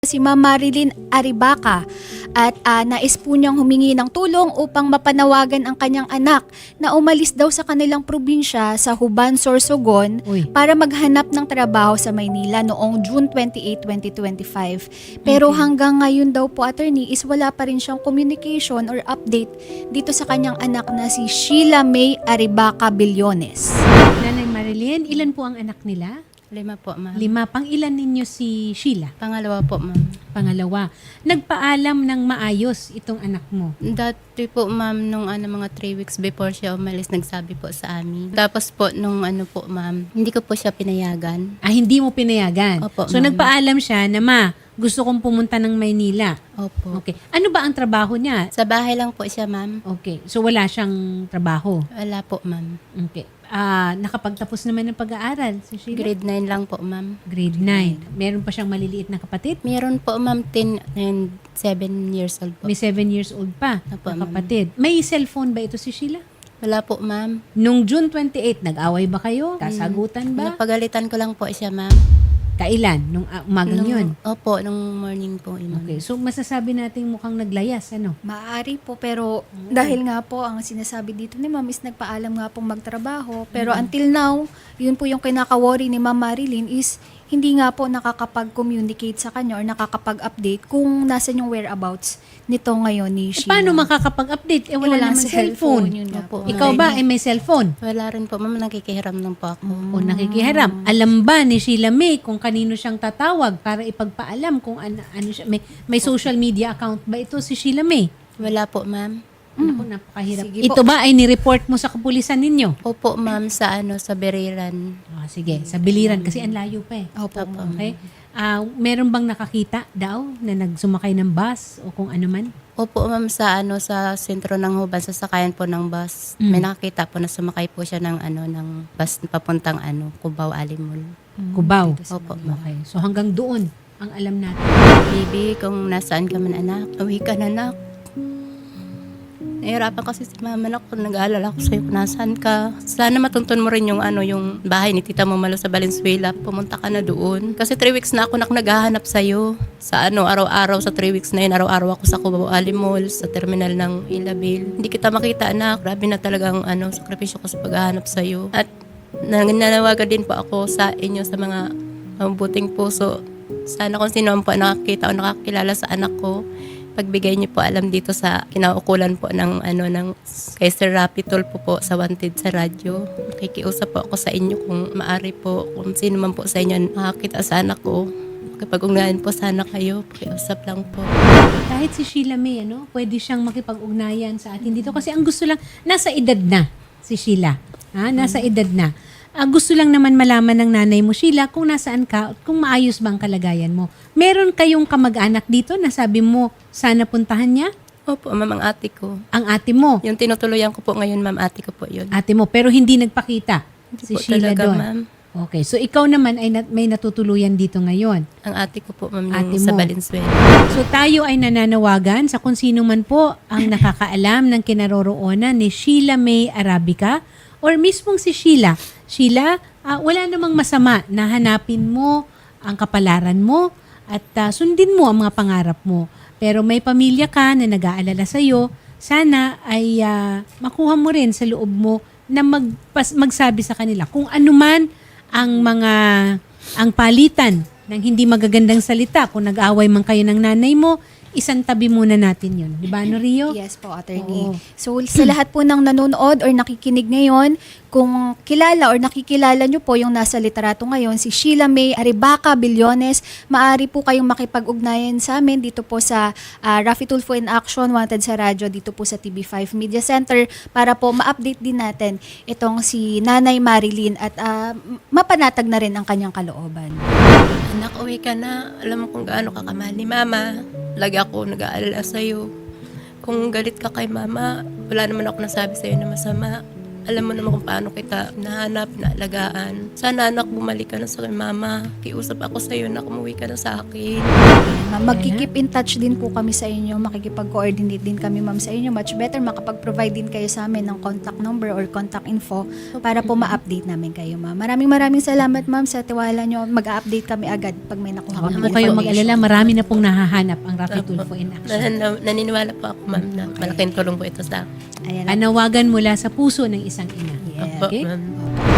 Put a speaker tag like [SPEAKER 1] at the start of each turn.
[SPEAKER 1] Si Ma'am Marilyn Aribaca at nais po niyang humingi ng tulong upang mapanawagan ang kanyang anak na umalis daw sa kanilang probinsya sa Huban, Sorsogon para maghanap ng trabaho sa Maynila noong June 28, 2025. Pero hanggang ngayon daw po, attorney, is wala pa rin siyang communication or update dito sa kanyang anak na si Sheila May Aribaca Billones.
[SPEAKER 2] Nanay Marilyn, ilan po ang anak nila?
[SPEAKER 3] 5 po, ma'am.
[SPEAKER 2] 5. Pang ilan ninyo si Sheila?
[SPEAKER 3] Pangalawa po, ma'am.
[SPEAKER 2] Pangalawa. Nagpaalam ng maayos itong anak mo.
[SPEAKER 3] Dati po, ma'am, nung mga 3 weeks before siya umalis, nagsabi po sa amin. Tapos po, nung po, ma'am, hindi ko po siya pinayagan.
[SPEAKER 2] Hindi mo pinayagan.
[SPEAKER 3] Opo,
[SPEAKER 2] So
[SPEAKER 3] ma'am.
[SPEAKER 2] nagpaalam siya na gusto kong pumunta ng Maynila.
[SPEAKER 3] Opo.
[SPEAKER 2] Okay. Ano ba ang trabaho niya?
[SPEAKER 3] Sa bahay lang po siya, ma'am.
[SPEAKER 2] Okay. So wala siyang trabaho.
[SPEAKER 3] Wala po, ma'am.
[SPEAKER 2] Okay. Nakapagtapos naman ng pag-aaral si Sheila?
[SPEAKER 3] Grade 9 lang po, ma'am.
[SPEAKER 2] Grade 9. Meron pa siyang maliliit na kapatid?
[SPEAKER 3] Meron po, ma'am, 10 and 7 years old po.
[SPEAKER 2] May 7 years old pa
[SPEAKER 3] Opo,
[SPEAKER 2] na
[SPEAKER 3] ma'am.
[SPEAKER 2] kapatid. May cellphone ba ito si Sheila?
[SPEAKER 3] Wala po, ma'am.
[SPEAKER 2] Nung June 28, nag-away ba kayo? Kasagutan ba?
[SPEAKER 3] Napagalitan ko lang po siya, ma'am.
[SPEAKER 2] Kailan? Nung umagang yun?
[SPEAKER 3] Opo, nung morning po. Ma'am.
[SPEAKER 2] Okay. So, masasabi natin mukhang naglayas, ano?
[SPEAKER 1] Maaari po, pero dahil nga po ang sinasabi dito ni Ma'am is nagpaalam nga pong magtrabaho. Pero until now, yun po yung kinaka-worry ni Ma'am Marilyn is hindi nga po nakakapag-communicate sa kanya or nakakapag-update kung nasan yung whereabouts nito ngayon ni Sheila.
[SPEAKER 2] Paano makakapag-update? Wala
[SPEAKER 1] Walang
[SPEAKER 2] naman cellphone.
[SPEAKER 1] Yun nga po.
[SPEAKER 3] Opo.
[SPEAKER 2] Ikaw ba ay may cellphone?
[SPEAKER 3] Wala rin po, ma'am. Nakikihiram lang po ako.
[SPEAKER 2] O nakikiharap? Alam ba ni Sheila May kung kanino siyang tatawag para ipagpaalam kung ano siya? May social media account ba ito si Sheila May?
[SPEAKER 3] Wala po, ma'am.
[SPEAKER 2] Naku, napakahirap.
[SPEAKER 1] Sige
[SPEAKER 2] Ito ba ay nireport mo sa kapulisan ninyo?
[SPEAKER 3] Opo, ma'am, sa Beriran.
[SPEAKER 2] Sige, sa Biliran kasi ang layo pa eh.
[SPEAKER 1] Opo, Ma'am.
[SPEAKER 2] Okay? Meron bang nakakita daw na nagsumakay ng bus o kung ano man?
[SPEAKER 3] Opo, ma'am, sa sentro ng Huban, sa sakayan po ng bus. May nakakita po na sumakay po siya ng bus papuntang Cubao Alimol.
[SPEAKER 2] Cubao.
[SPEAKER 3] Opo, ma'am.
[SPEAKER 2] Okay. So hanggang doon ang alam natin.
[SPEAKER 3] Baby, kung nasaan ka man, anak, uwi ka na, anak. Nahirapan kasi si mama na kung nag-aalala ko sa'yo kung nasaan ka. Sana matuntun mo rin yung bahay ni Tita Momalo sa Valenzuela. Pumunta ka na doon. Kasi 3 weeks na ako naghahanap sa'yo. Sa araw-araw sa 3 weeks na yun, araw-araw ako sa Cubao Alimol, sa terminal ng Ilabil. Hindi kita makita, anak. Grabe na talagang sakripisyo ko sa paghahanap sa'yo. At nananawagan din po ako sa inyo, sa mga mabuting puso. Sana kung sino man po nakakita o nakakilala sa anak ko, pagbigay niyo po alam dito sa kinaukulan po ng kay Sir Rapi Tulfo po sa Wanted sa radyo. Nakikiusap po ako sa inyo kung maari po, kung sino man po sa inyo nakakita sa anak ko. Kapag ugnayan po sana kayo, pakiusap lang po.
[SPEAKER 2] Kahit si Sheila May, pwede siyang makipag-ugnayan sa atin dito. Kasi ang gusto lang, nasa edad na si Sheila. Nasa edad na. Gusto lang naman malaman ng nanay mo, Sheila, kung nasaan ka, kung maayos ba ang kalagayan mo. Meron kayong kamag-anak dito na sabi mo, sana puntahan niya?
[SPEAKER 3] Opo, ma'am, ang ate ko.
[SPEAKER 2] Ang ate mo.
[SPEAKER 3] Yung tinutuluyan ko po ngayon, ma'am, ate ko po yun.
[SPEAKER 2] Ate mo, pero hindi nagpakita
[SPEAKER 3] Hindi
[SPEAKER 2] si
[SPEAKER 3] po
[SPEAKER 2] Sheila
[SPEAKER 3] talaga,
[SPEAKER 2] doon.
[SPEAKER 3] ma'am.
[SPEAKER 2] Okay, so ikaw naman ay may natutuluyan dito ngayon.
[SPEAKER 3] Ang ate ko po, ma'am,
[SPEAKER 2] Ate
[SPEAKER 3] yung sa
[SPEAKER 2] mo.
[SPEAKER 3] Valenzuela.
[SPEAKER 2] So tayo ay nananawagan sa kung sino man po ang nakakaalam ng kinaroroonan ni Sheila May Arabica or mismong si Sheila. Sheila, wala namang masama na hanapin mo ang kapalaran mo at sundin mo ang mga pangarap mo. Pero may pamilya ka na nag-aalala sa'yo, sana ay makuha mo rin sa loob mo na magsabi sa kanila kung ano man ang palitan ng hindi magagandang salita. Kung nag-away man kayo ng nanay mo, isang tabi muna natin yun. Di ba, Rio?
[SPEAKER 1] Yes po, attorney.
[SPEAKER 2] Oo.
[SPEAKER 1] So, sa lahat po ng nanonood or nakikinig ngayon, kung kilala or nakikilala nyo po yung nasa literato ngayon, si Sheila May Aribaca Billones, maaari po kayong makipag-ugnayan sa amin dito po sa Rafi Tulfo in Action, Wanted sa Radyo, dito po sa TV5 Media Center para po ma-update din natin itong si Nanay Marilyn at mapanatag na rin ang kanyang kalooban.
[SPEAKER 3] Anak, uwi ka na. Alam mo kung gaano ka kamahal ni mama. Lagi ako nag-aalala sa'yo. Kung galit ka kay mama, wala naman ako nasabi sa'yo na masama. Alam mo naman kung paano kita nahanap, naalagaan. Sana anak, bumalik ka na sa akin, mama. Kiusap ako sa'yo na umuwi ka na sa akin.
[SPEAKER 1] Ma'am, magkikip in touch din po kami sa inyo. Makikipag-coordinate din kami, ma'am, sa inyo. Much better makapag-provide din kayo sa amin ng contact number or contact info para po ma-update namin kayo, ma'am. Maraming salamat, ma'am, sa tiwala nyo. Mag-update kami agad pag may nakuha
[SPEAKER 2] Huwag
[SPEAKER 1] kami
[SPEAKER 2] po kayong mag-alala, marami na pong nahahanap ang Rafi Tulfo in action.
[SPEAKER 3] Naniniwala po ako, ma'am, na malaking tulong po ito sa akin.
[SPEAKER 1] Ayan.
[SPEAKER 2] Panawagan mula sa puso ng isang ina.
[SPEAKER 1] Yeah.
[SPEAKER 3] Opo,
[SPEAKER 2] Okay?
[SPEAKER 3] ma'am.